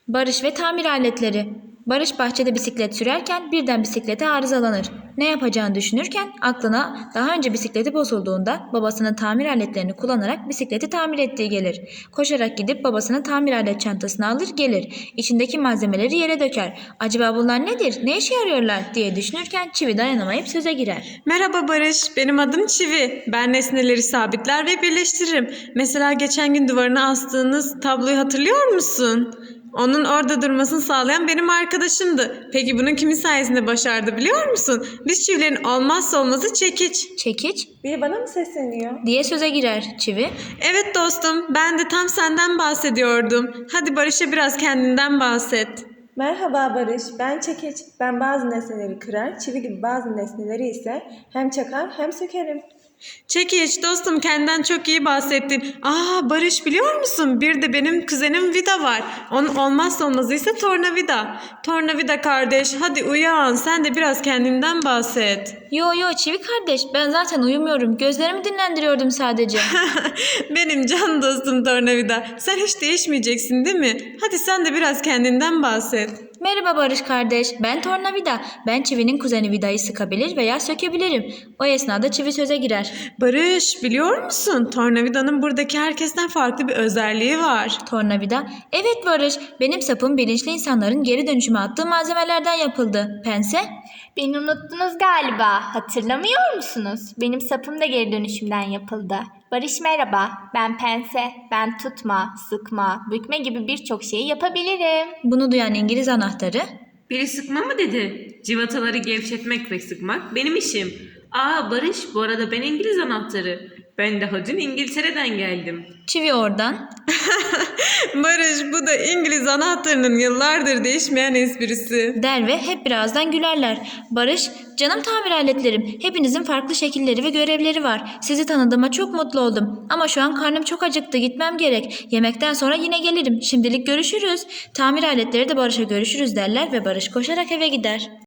Barış ve tamir aletleri. Barış bahçede bisiklet sürerken birden bisiklete arızalanır. Ne yapacağını düşünürken aklına daha önce bisikleti bozulduğunda babasının tamir aletlerini kullanarak bisikleti tamir ettiği gelir. Koşarak gidip babasının tamir alet çantasını alır gelir. İçindeki malzemeleri yere döker. Acaba bunlar nedir? Ne işe yarıyorlar diye düşünürken Çivi dayanamayıp söze girer. Merhaba Barış, benim adım Çivi. Ben nesneleri sabitler ve birleştiririm. Mesela geçen gün duvarına astığınız tabloyu hatırlıyor musun? Onun orada durmasını sağlayan benim arkadaşımdı. Peki bunu kimin sayesinde başardı biliyor musun? Biz çivilerin olmazsa olmazı çekiç. Çekiç Biri bana mı sesleniyor? diye söze girer Çivi. Evet dostum, ben de tam senden bahsediyordum. Hadi Barış'a biraz kendinden bahset. Merhaba Barış, ben Çekiç. Ben bazı nesneleri kırar, çivi gibi bazı nesneleri ise hem çakar hem sökerim. Çekiç dostum, kendinden çok iyi bahsettin. Barış biliyor musun? Bir de benim kuzenim Vida var. Onun olmazsa olmazı ise tornavida. Tornavida kardeş, hadi uyan, sen de biraz kendinden bahset. Yo Çivi kardeş, ben zaten uyumuyorum. Gözlerimi dinlendiriyordum sadece. Benim can dostum tornavida. Sen hiç değişmeyeceksin değil mi? Hadi sen de biraz kendinden bahset. Merhaba Barış kardeş, ben Tornavida. Ben Çivi'nin kuzeni Vida'yı sıkabilir veya sökebilirim. O esnada Çivi söze girer. Barış biliyor musun? Tornavidanın buradaki herkesten farklı bir özelliği var. Tornavida, evet Barış, benim sapım bilinçli insanların geri dönüşüme attığı malzemelerden yapıldı. Pense, Beni unuttunuz galiba. Hatırlamıyor musunuz? Benim sapım da geri dönüşümden yapıldı. Barış merhaba. Ben pense. Ben tutma, sıkma, bükme gibi birçok şeyi yapabilirim. bunu duyan İngiliz anahtarı. Biri sıkma mı dedi? Civataları gevşetmek ve sıkmak benim işim. Barış, bu arada ben İngiliz anahtarı. Ben daha dün İngiltere'den geldim. Çivi oradan. Barış bu da İngiliz anahtarının yıllardır değişmeyen esprisi. Der ve hep birazdan gülerler. Barış, canım tamir aletlerim. Hepinizin farklı şekilleri ve görevleri var. Sizi tanıdığıma çok mutlu oldum. Ama şu an karnım çok acıktı. Gitmem gerek. Yemekten sonra yine gelirim. Şimdilik görüşürüz. Tamir aletleri de Barış'a görüşürüz derler ve Barış koşarak eve gider.